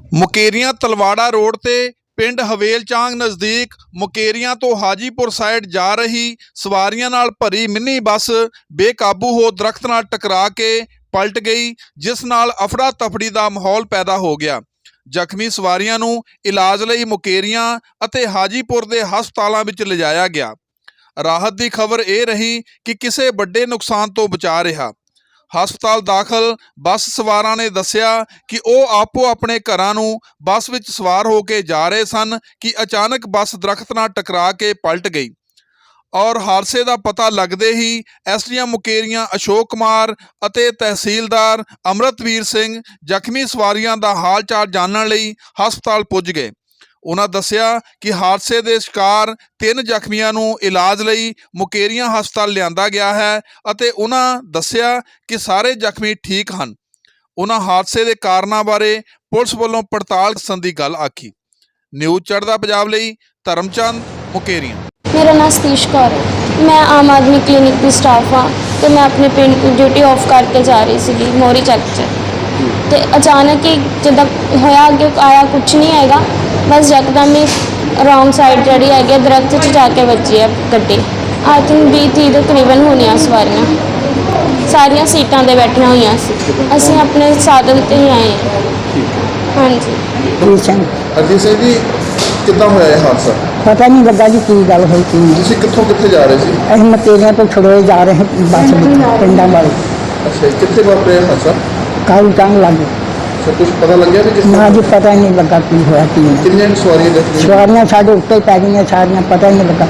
Mukerian Talwara road ਤੇ ਪਿੰਡ ਹਵੇਲਚਾਂਗ ਨਜ਼ਦੀਕ ਮੁਕੇਰੀਆਂ ਤੋਂ ਹਾਜੀपुर ਸਾਈਡ ਜਾ ਰਹੀ ਸਵਾਰੀਆਂ ਨਾਲ ਭਰੀ ਮਿੰਨੀ ਬੱਸ ਬੇਕਾਬੂ ਹੋ ਦਰਖਤ ਨਾਲ ਟਕਰਾ ਕੇ ਪਲਟ ਗਈ, ਜਿਸ ਨਾਲ ਅਫੜਾ ਤਫੜੀ ਦਾ ਮਾਹੌਲ ਪੈਦਾ ਹੋ ਗਿਆ। ਜ਼ਖਮੀ ਸਵਾਰੀਆਂ ਨੂੰ ਇਲਾਜ ਲਈ ਮੁਕੇਰੀਆਂ ਅਤੇ ਹਾਜੀपुर ਦੇ ਹਸਪਤਾਲਾਂ ਵਿੱਚ ਲਿਜਾਇਆ ਗਿਆ। ਰਾਹਤ ਦੀ ਖਬਰ ਇਹ ਰਹੀ ਕਿ ਕਿਸੇ ਵੱਡੇ ਨੁਕਸਾਨ ਤੋਂ ਬਚਾ ਰਿਹਾ। ਹਸਪਤਾਲ ਦਾਖਲ ਬੱਸ ਸਵਾਰਾਂ ਨੇ ਦੱਸਿਆ ਕਿ ਉਹ ਆਪੋ ਆਪਣੇ ਘਰਾਂ ਨੂੰ ਬੱਸ ਵਿੱਚ ਸਵਾਰ ਹੋ ਕੇ ਜਾ ਰਹੇ ਸਨ ਕਿ ਅਚਾਨਕ ਬੱਸ ਦਰਖਤ ਨਾਲ ਟਕਰਾ ਕੇ ਪਲਟ ਗਈ ਔਰ ਹਾਦਸੇ ਦਾ ਪਤਾ ਲੱਗਦੇ ਹੀ ਐਸਡੀਐਮ ਮੁਕੇਰੀਆਂ ਅਸ਼ੋਕ ਕੁਮਾਰ ਅਤੇ ਤਹਿਸੀਲਦਾਰ ਅੰਮ੍ਰਿਤਵੀਰ ਸਿੰਘ ਜ਼ਖਮੀ ਸਵਾਰੀਆਂ ਦਾ ਹਾਲ ਚਾਲ ਜਾਣਨ ਲਈ ਹਸਪਤਾਲ ਪੁੱਜ ਗਏ। ਉਹਨਾਂ ਦੱਸਿਆ ਕਿ ਹਾਦਸੇ ਦੇ ਸ਼ਿਕਾਰ 3 ਜ਼ਖਮੀਆਂ ਨੂੰ ਇਲਾਜ ਲਈ ਮੁਕੇਰੀਆਂ ਹਸਪਤਾਲ ਲਿਆਂਦਾ ਗਿਆ ਹੈ ਅਤੇ ਉਹਨਾਂ ਦੱਸਿਆ ਕਿ ਸਾਰੇ ਜ਼ਖਮੀ ਠੀਕ ਹਨ। ਉਹਨਾਂ ਹਾਦਸੇ ਦੇ ਕਾਰਨਾਂ ਬਾਰੇ ਪੁਲਿਸ ਵੱਲੋਂ ਪੜਤਾਲ ਕਰਨ ਦੀ ਗੱਲ ਆਖੀ। ਨਿਊਜ਼ ਚੜ੍ਹਦਾ ਪੰਜਾਬ ਲਈ ਧਰਮਚੰਦ ਮੁਕੇਰੀਆਂ। मेरा नाम सतीश कौर है। मैं आम आदमी क्लिनिक की स्टाफ हाँ। तो मैं अपने पिंड की ड्यूटी ऑफ करके जा रही सी मोरी चक तो अचानक ही जिदा होया अगे आया कुछ नहीं हैगा, बस यकदम ही रोंग साइड जी है दरख्त च जाके बची है गड्डी। आई थिंक 20-30 के करीबन होनी सवारियाँ, सारिया सीटां ते बैठिया हुई सी। असीं अपने साधन ते ही आए हैं। हाँ जी। हरजीत सिंह जी कितना होया ये हादसा? पता नहीं लगा जी की गल हुई थी। तुसीं कित्थों कित्थे जा रहे सी? असीं मकेरियां तो छड़ोए जा रहे हैं बस पिंडां वाले। अच्छा, कित्थे वापरिया हादसा? कालू टांग लगी। अच्छा, कुछ पता लग गया कि किस ना जी पता ही नहीं लगा की होया की नहीं। कितने सवारियां जख्मी? सवारियां साढ़े उत्ते पै गई सारियां, पता ही नहीं लगा।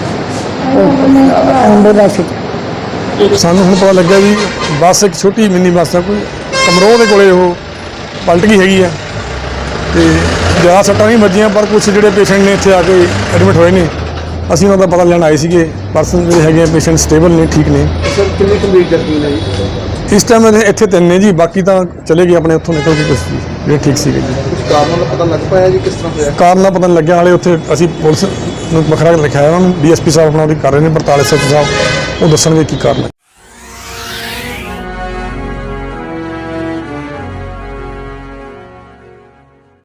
एंबुलेंस ਸਾਨੂੰ ਹੁਣ ਪਤਾ ਲੱਗਿਆ ਵੀ ਬੱਸ ਇੱਕ ਛੋਟੀ ਮਿੰਨੀ ਬੱਸ ਆ, ਕੋਈ ਕਮਰੋਹ ਦੇ ਕੋਲੇ ਉਹ ਪਲਟ ਗਈ ਹੈਗੀ ਆ ਤੇ ਜ਼ਿਆਦਾ ਸੱਟਾਂ ਨਹੀਂ ਵੱਜੀਆਂ, ਪਰ ਕੁਛ ਜਿਹੜੇ ਪੇਸ਼ੈਂਟ ਨੇ ਇੱਥੇ ਆ ਕੇ ਐਡਮਿਟ ਹੋਏ ਨੇ। ਅਸੀਂ ਉਹਨਾਂ ਦਾ ਪਤਾ ਲੈਣ ਆਏ ਸੀਗੇ। ਪਰਸਨ ਜਿਹੜੇ ਹੈਗੇ ਪੇਸ਼ੈਂਟ ਸਟੇਬਲ ਨੇ, ਠੀਕ ਨੇ। सर कितने गंभीर जख्मी ने जी? ਇਸ ਟਾਈਮ ਇੱਥੇ 3 ਨੇ ਜੀ, ਬਾਕੀ ਤਾਂ ਚਲੇ ਗਏ ਆਪਣੇ ਉੱਥੋਂ ਨਿਕਲ ਕੇ ਕੁਛ ਜਿਹੜੇ ਠੀਕ ਸੀਗੇ ਜੀ। कुछ कारणों का पता लग पाया जी किस तरह होया? ਕਾਰਨ ਦਾ ਪਤਾ ਨਹੀਂ ਲੱਗਿਆ, ਹਾਲੇ ਉੱਥੇ ਅਸੀਂ ਪੁਲਿਸ ਨੂੰ ਵੱਖਰਾ ਲਿਖਾਇਆ ਉਹਨਾਂ ਨੂੰ। ਡੀਐਸਪੀ ਸਾਹਿਬ ਆਪਣਾ ਉਹਦੀ ਕਰ ਰਹੇ ਨੇ ਪੜਤਾਲ। ਐਸਐਚਓ ਸਾਹਿਬ ਉਹ ਦੱਸਣਗੇ ਕੀ ਕਾਰਨ ਹੈ।